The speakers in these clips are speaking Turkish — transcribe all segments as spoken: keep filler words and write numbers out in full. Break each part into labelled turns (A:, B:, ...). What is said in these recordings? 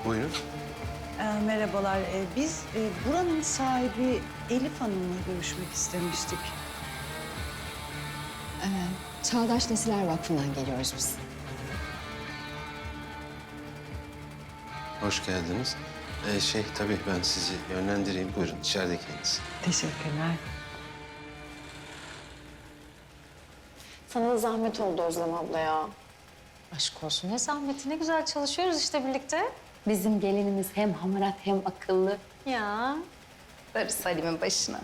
A: Buyurun.
B: Ee, merhabalar. Ee, biz e, buranın sahibi Elif Hanım'la görüşmek istemiştik.
C: Ee, Çağdaş Nesiller Vakfı'ndan geliyoruz biz.
A: Hoş geldiniz. Ee, şey tabii ben sizi yönlendireyim. Buyurun içeride kendisi.
B: Teşekkürler.
C: Sana da zahmet oldu Özlem abla ya.
D: Aşk olsun ne zahmeti, ne güzel çalışıyoruz işte birlikte.
C: Bizim gelinimiz hem hamarat hem akıllı.
D: Ya. Darısı Salim'in başına.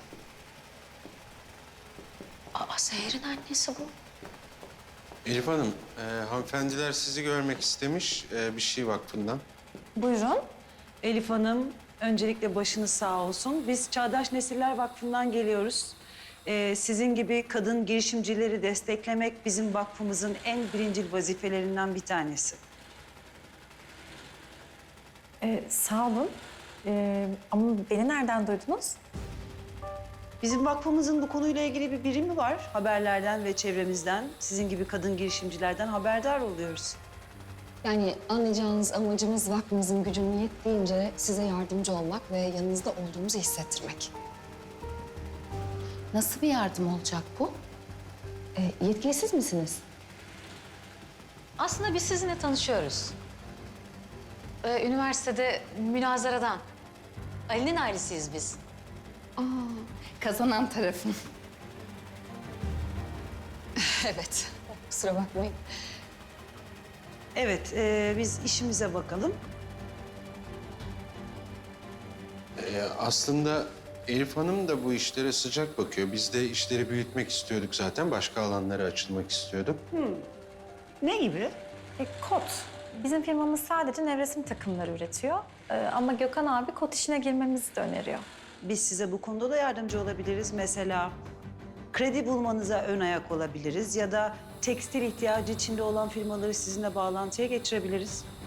D: Aa, Seher'in annesi bu.
A: Elif Hanım, e, hanımefendiler sizi görmek istemiş e, bir şey vakfından.
D: Buyurun.
B: Elif Hanım, öncelikle başınız sağ olsun. Biz Çağdaş Nesiller Vakfı'ndan geliyoruz. Ee, sizin gibi kadın girişimcileri desteklemek bizim vakfımızın en birincil vazifelerinden bir tanesi.
D: Ee, sağ olun. Ee, ama beni nereden duydunuz?
B: Bizim vakfımızın bu konuyla ilgili bir birimi var. Haberlerden ve çevremizden, sizin gibi kadın girişimcilerden haberdar oluyoruz.
C: Yani anlayacağınız amacımız vakfımızın gücünün yettiğince size yardımcı olmak ve yanınızda olduğumuzu hissettirmek.
D: Nasıl bir yardım olacak bu?
C: Ee, yetkili siz misiniz?
D: Aslında biz sizinle tanışıyoruz. Ee, üniversitede münazaradan. Ali'nin ailesiyiz biz.
C: Aa, kazanan tarafın. Evet, kusura bakmayın.
B: Evet, e, biz işimize bakalım.
A: E, aslında Elif Hanım da bu işlere sıcak bakıyor. Biz de işleri büyütmek istiyorduk zaten. Başka alanlara açılmak istiyorduk.
B: Ne gibi?
E: E, kot. Bizim firmamız sadece nevresim takımları üretiyor. E, ama Gökhan abi kot işine girmemizi de öneriyor.
B: Biz size bu konuda da yardımcı olabiliriz. Mesela kredi bulmanıza ön ayak olabiliriz ya da tekstil ihtiyacı içinde olan firmaları sizinle bağlantıya geçirebiliriz.